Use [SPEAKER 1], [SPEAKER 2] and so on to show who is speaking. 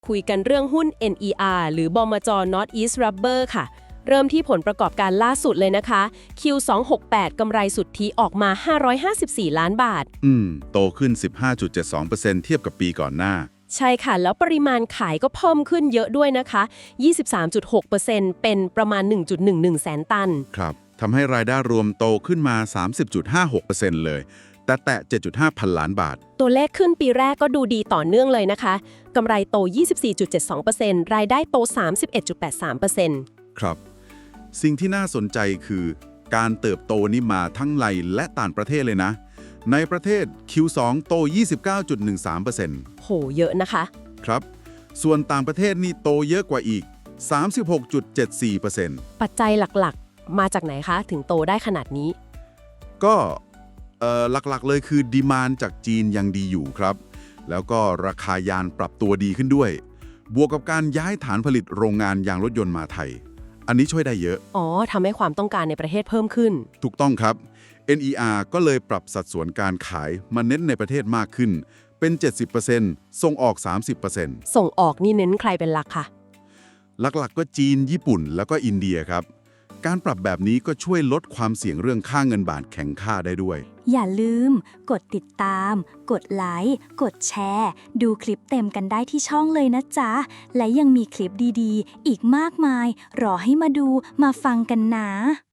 [SPEAKER 1] คุยกันเรื่องหุ้น NER หรือบมจ. Northeast Rubber ค่ะ เริ่มที่ผลประกอบการล่าสุดเลยนะคะ Q268 กำไรสุทธิออกมา 554 ล้านบาท
[SPEAKER 2] โตขึ้น 15.72% เทียบกับปีก่อนหน้า
[SPEAKER 1] ใช่ค่ะ แล้วปริมาณขายก็เพิ่มขึ้นเยอะด้วยนะคะ 23.6% เป็นประมาณ 1.11 แสนตัน
[SPEAKER 2] ครับทำให้รายได้รวมโตขึ้นมา 30.56% เลย แต่แตะ 7.5 พันล้านบาท
[SPEAKER 1] ตัวเลขขึ้นปีแรกก็ดูดีต่อเนื่องเลยนะคะกำไรโต 24.72% รายได้โต 31.83%
[SPEAKER 2] ครับ สิ่งที่น่าสนใจคือการเติบโตนี้มาทั้งในและต่างประเทศเลยนะ ในประเทศ Q2 โต 29.13%
[SPEAKER 1] โห เยอะนะคะ
[SPEAKER 2] ครับ ส่วนต่างประเทศนี่โตเยอะกว่าอีก 36.74%
[SPEAKER 1] ปัจจัยหลักๆ มาจากไหนคะ ถึงโตได้ขนาดนี้
[SPEAKER 2] ก็หลักๆเลยคือดีมานด์จากจีนยังดีอยู่ครับ แล้วก็ราคายานปรับตัวดีขึ้นด้วย บวกกับการย้ายฐานผลิตโรงงานยางรถยนต์มาไทย อันนี้ช่วยได้เยอะ
[SPEAKER 1] อ๋อ ทำให้ความต้องการในประเทศเพิ่มขึ้น
[SPEAKER 2] ถูกต้องครับ NER ก็เลยปรับสัดส่วนการขายมาเน้นในประเทศมากขึ้น เป็น 70%ส่งออก 30%
[SPEAKER 1] ส่งออกนี่เน้นใครเป็นหลักคะ
[SPEAKER 2] หลักๆก็จีน ญี่ปุ่น แล้วก็อินเดียครับ การปรับแบบนี้ก็ช่วยลดความเสี่ยงเรื่องค่าเงินบาทแข็งค่าได้ด้วย
[SPEAKER 3] อย่าลืม กดติดตาม กดไลค์ กดแชร์ ดูคลิปเต็มกันได้ที่ช่องเลยนะจ๊ะ และยังมีคลิปดีๆ อีกมากมาย รอให้มาดู มาฟังกันนะ